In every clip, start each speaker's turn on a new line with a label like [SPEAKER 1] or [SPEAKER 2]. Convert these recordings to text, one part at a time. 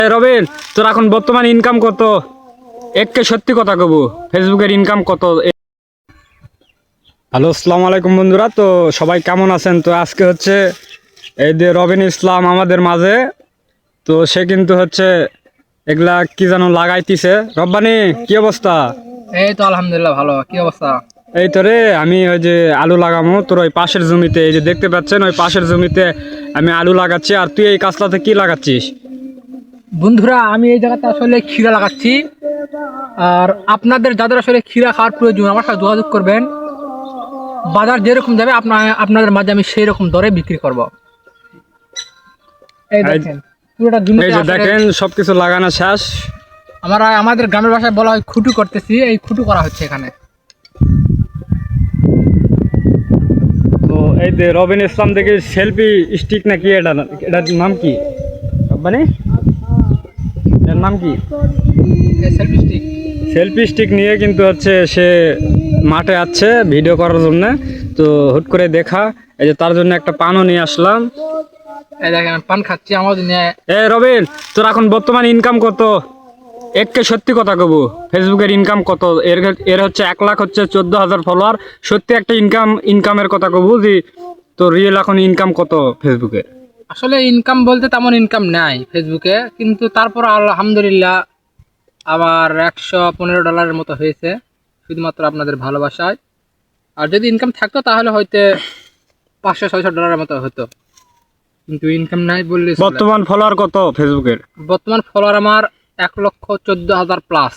[SPEAKER 1] রবিন, তোর এখন বর্তমান ইনকাম কত? এককে সত্যি কথা কব, ফেসবুকের ইনকাম কত? হ্যালো, আসসালামু আলাইকুম বন্ধুরা। তো সবাই কেমন আছেন? তো আজকে হচ্ছে এই যে রবিন ইসলাম আমাদের মাঝে। তো সে কিন্তু হচ্ছে এগুলা কি যেন লাগাইতিছে। রব্বানি, কি অবস্থা?
[SPEAKER 2] এই তো আলহামদুলিল্লাহ ভালো। কি অবস্থা?
[SPEAKER 1] এই তো রে, আমি ওই যে আলু লাগামো তোর ওই পাশের জমিতে। এই যে দেখতে পাচ্ছেন, ওই পাশের জমিতে আমি আলু লাগাচ্ছি। আর তুই এই কাজটাতে কি লাগাচ্ছিস?
[SPEAKER 2] বন্ধুরা, আমি এই জায়গাতে আসলে ক্ষীরা লাগাচ্ছি। আর আপনাদের যাদের আসলে ক্ষীরা খাওয়ার প্রয়োজন আমার সাথে যোগাযোগ করবেন। বাজার যেরকম যাবে আপনাদের মাঝে আমি সেই রকম দরে বিক্রি করব। এই দেখেন পুরোটা জমিতে
[SPEAKER 1] এই যে
[SPEAKER 2] আসলে
[SPEAKER 1] দেখেন সবকিছু লাগানো শেষ।
[SPEAKER 2] আমাদের গ্রামের ভাষায় বলা হয় খুঁটু করতেছি। এই খুঁটু করা হচ্ছে এখানে।
[SPEAKER 1] তো এই যে রবিন ইসলাম দেখি সেলফি স্টিক নাকি, এটার নাম কি? মানে এর নাম কি?
[SPEAKER 2] এই সেলফি স্টিক।
[SPEAKER 1] সেলফি স্টিক নিয়ে কিন্তু হচ্ছে সে মাঠে আছে ভিডিও করার জন্য। তো হুট করে দেখা, এই যে তার জন্য একটা পানও নিয়ে আসলাম।
[SPEAKER 2] এই দেখেন আমি পান খাচ্ছি আমার নিয়ে।
[SPEAKER 1] রবিন, তোর এখন বর্তমান ইনকাম কত? এককে সত্যি কথা কব, ফেসবুকের ইনকাম কত? এর হচ্ছে 1 লাখ হচ্ছে 14,000 ফলোয়ার। সত্যি একটা ইনকামের কথা কব যে তোর রিয়েল এখন ইনকাম কত ফেসবুকে?
[SPEAKER 2] আসলে ইনকাম বলতে তেমন ইনকাম নাই ফেসবুকে, কিন্তু তারপর আলহামদুলিল্লাহ আবার $115 মতো হয়েছে, শুধুমাত্র আপনাদের ভালোবাসায়। আর যদি ইনকাম থাকতো তাহলে হয়তো $500-600 মতো হতো, কিন্তু ইনকাম নাই বললে চলে।
[SPEAKER 1] বর্তমান ফলোয়ার কত ফেসবুকের?
[SPEAKER 2] বর্তমান ফলোয়ার আমার 1,14,000 প্লাস।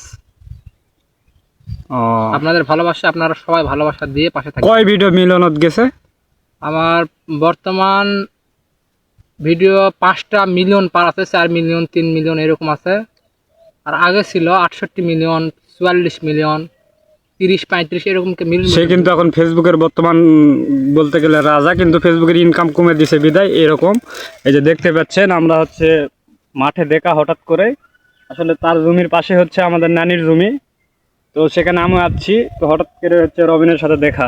[SPEAKER 2] আপনাদের ভালোবাসা, আপনারা সবাই ভালোবাসা দিয়ে পাশে থাকেন।
[SPEAKER 1] কয় ভিডিও মিলনত গেছে?
[SPEAKER 2] আমার বর্তমান ভিডিও 5টা মিলিয়ন পার আছে, 4 মিলিয়ন 3 মিলিয়ন এরকম আছে। আর আগে ছিল 68 মিলিয়ন 44 মিলিয়ন 30-35 এরকম
[SPEAKER 1] সে কিন্তু এখন ফেসবুকের বর্তমান বলতে গেলে রাজা, কিন্তু ফেসবুকের ইনকাম কমে দিছে বিদায় এরকম। এই যে দেখতে পাচ্ছেন, আমরা হচ্ছে মাঠে দেখা হঠাৎ করে, আসলে তার জমির পাশে হচ্ছে আমাদের নানির জমি। তো সেখানে আমি আসছি, তো হঠাৎ করে হচ্ছে রবিনের সাথে দেখা।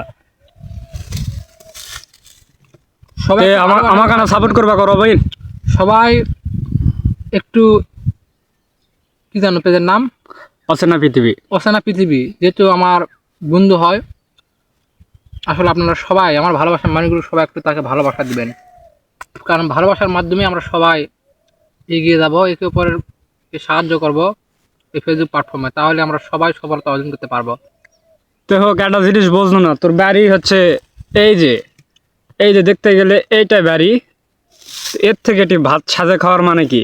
[SPEAKER 2] সবাই
[SPEAKER 1] আমাকে না সাপোর্ট করবা করো রবিন।
[SPEAKER 2] সবাই একটু কি জানো পেজের নাম?
[SPEAKER 1] অচেনা পৃথিবী।
[SPEAKER 2] অচেনা পৃথিবী, যেহেতু আমার বন্ধু হয়। আসলে আপনারা সবাই আমার ভালোবাসার মানুষগুলো সবাই একটু তাকে ভালোবাসা দিবেন, কারণ ভালোবাসার মাধ্যমে আমরা সবাই এগিয়ে যাব, একে অপরের সাহায্য করব এই ফেসবুক প্ল্যাটফর্মে। তাহলে আমরা সবাই সফলতা অর্জন করতে পারবো।
[SPEAKER 1] তো হোক, একটা জিনিস বুঝলো না, তোর বাড়ি হচ্ছে এই যে এই যে দেখতে গেলে এইটাই বাড়ি। এর থেকে এটি ভাত সাজে খাওয়ার মানে কি?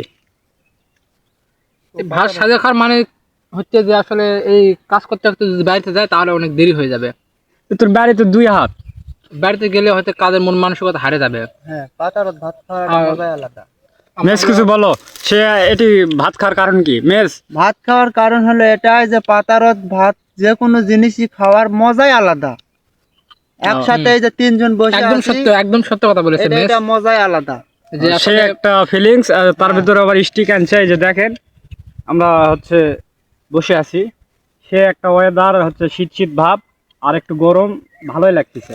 [SPEAKER 2] এই ভাত সাজা খাওয়ার মানে হচ্ছে যে আসলে এই কাজ করতে করতে যদি বাড়িতে যায় তাহলে অনেক দেরি হয়ে যাবে।
[SPEAKER 1] তোর বাড়িতে 2 হাত।
[SPEAKER 2] বাড়িতে গেলে হয়তো কাজের মন মানসিকতা হারিয়ে যাবে।
[SPEAKER 3] হ্যাঁ, পাতারত ভাত খাওয়ার মজাই আলাদা।
[SPEAKER 1] মেস কিছু বলো, সে এটি ভাত খাওয়ার কারণ কি? মেস
[SPEAKER 3] ভাত খাওয়ার কারণ হলো এটাই যে পাতারত ভাত যে কোনো জিনিসই খাওয়ার মজাই আলাদা। একসাথে এই যে 3 জন বসে
[SPEAKER 2] একদম
[SPEAKER 3] আছি,
[SPEAKER 2] সত্য, একদম সত্য কথা বলেছে মেস।
[SPEAKER 3] এটা মজাই আলাদা।
[SPEAKER 2] যে
[SPEAKER 1] সে
[SPEAKER 2] আসলে
[SPEAKER 1] একটা ফিলিংস। তার ভিতরে আবার স্টিক আনছে। এই যে দেখেন, আমরা হচ্ছে বসে আছি, সে একটা ওয়েদার হচ্ছে শীত শীত ভাব, আর একটু গরম, ভালোই লাগতেছে।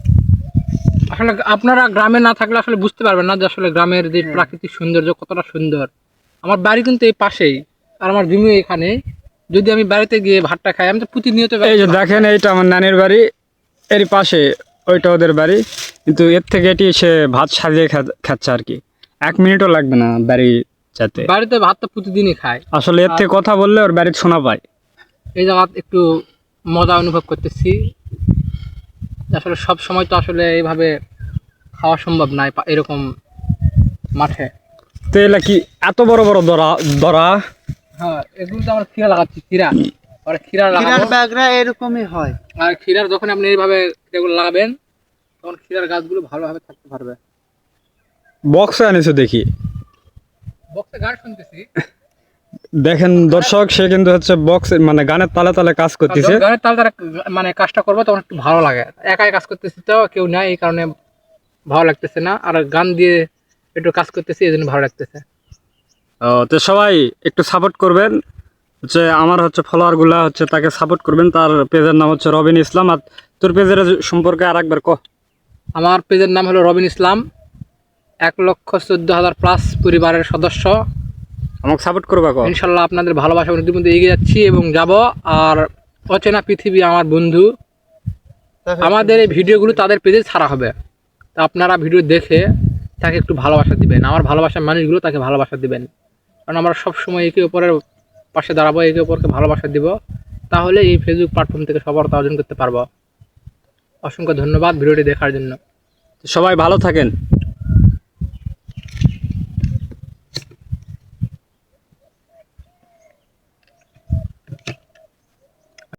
[SPEAKER 2] আসলে আপনারা গ্রামে না থাকলে আসলে বুঝতে পারবেন না যে আসলে গ্রামের যে প্রাকৃতিক সৌন্দর্য কতটা সুন্দর। আমার বাড়ি কিন্তু এই পাশেই, আর আমার জমি এখানে। যদি আমি বাড়িতে গিয়ে ভাতটা খাই, আমি তো প্রতিনিয়ত
[SPEAKER 1] এই যে দেখেন, এইটা আমার নানির বাড়ি, এর পাশে ওইটা ওদের বাড়ি। কিন্তু এর থেকে এটি সে ভাত সাজিয়ে খাচ্ছে আর কি। 1 মিনিটও লাগবে না বাড়ি যেতে।
[SPEAKER 2] বাড়িতে ভাত তো প্রতিদিনই খাই।
[SPEAKER 1] আসলে এর থেকে কথা বললে ওর বাড়িতে শোনা পায়।
[SPEAKER 2] এই জায়গা একটু মজা অনুভব করতেছি। আসলে সব সময় তো আসলে এইভাবে খাওয়া সম্ভব নয় এরকম মাঠে।
[SPEAKER 1] তো এলা কি এত বড় বড় দরা দরা?
[SPEAKER 2] হ্যাঁ, এগুলো তো আমরা ক্ষীরা লাগাচ্ছি, ক্ষীরা। আর ক্ষীরা
[SPEAKER 3] ক্ষীরার
[SPEAKER 2] লাগাবো।
[SPEAKER 3] ব্যাগরা এরকমই হয়।
[SPEAKER 2] আর ক্ষীরার যখন আপনি এইভাবে এগুলো লাগাবেন তখন ক্ষীরার গাছগুলো ভালোভাবে থাকতে পারবে।
[SPEAKER 1] বক্সে আনিছো দেখি।
[SPEAKER 2] বক্সে গান শুনতেছি।
[SPEAKER 1] দেখেন দর্শক, সে কিন্তু হচ্ছে বক্স মানে গানের তালে তালে কাজ করতেছে।
[SPEAKER 2] গানের তাল তারা মানে কাজটা করবো তখন একটু ভালো লাগে। একাই কাজ করতেছি তো কেউ নাই, এই কারণে ভালো লাগতেছে না। আর গান দিয়ে একটু কাজ করতেছি, এই জন্য ভালো লাগতেছে।
[SPEAKER 1] তো সবাই একটু সাপোর্ট করবেন, হচ্ছে আমার হচ্ছে ফলোয়ার গুলা হচ্ছে তাকে সাপোর্ট করবেন। তার পেজের নাম হচ্ছে রবিন ইসলাম। আর তোর পেজের সম্পর্কে আর একবার কহ।
[SPEAKER 2] আমার পেজের নাম হলো রবিন ইসলাম। 1,14,000 প্লাস পরিবারের সদস্য।
[SPEAKER 1] আমাকে সাপোর্ট করবা কো
[SPEAKER 2] ইনশাল্লাহ আপনাদের ভালোবাসা অনেক মধ্যে এগিয়ে যাচ্ছি এবং যাব। আর অচেনা পৃথিবী আমার বন্ধু, আমাদের এই ভিডিওগুলো তাদের পেজে ছাড়া হবে, তা আপনারা ভিডিও দেখে তাকে একটু ভালোবাসা দিবেন, আমার ভালোবাসার মানুষগুলো তাকে ভালোবাসা দিবেন, কারণ আমরা সবসময় একে অপরের পাশে দাঁড়াবো, একে অপরকে ভালোবাসা দিব, তাহলে এই ফেসবুক প্ল্যাটফর্ম থেকে সফলতা অর্জন করতে পারবো। অসংখ্য ধন্যবাদ ভিডিওটি দেখার জন্য।
[SPEAKER 1] সবাই ভালো থাকেন।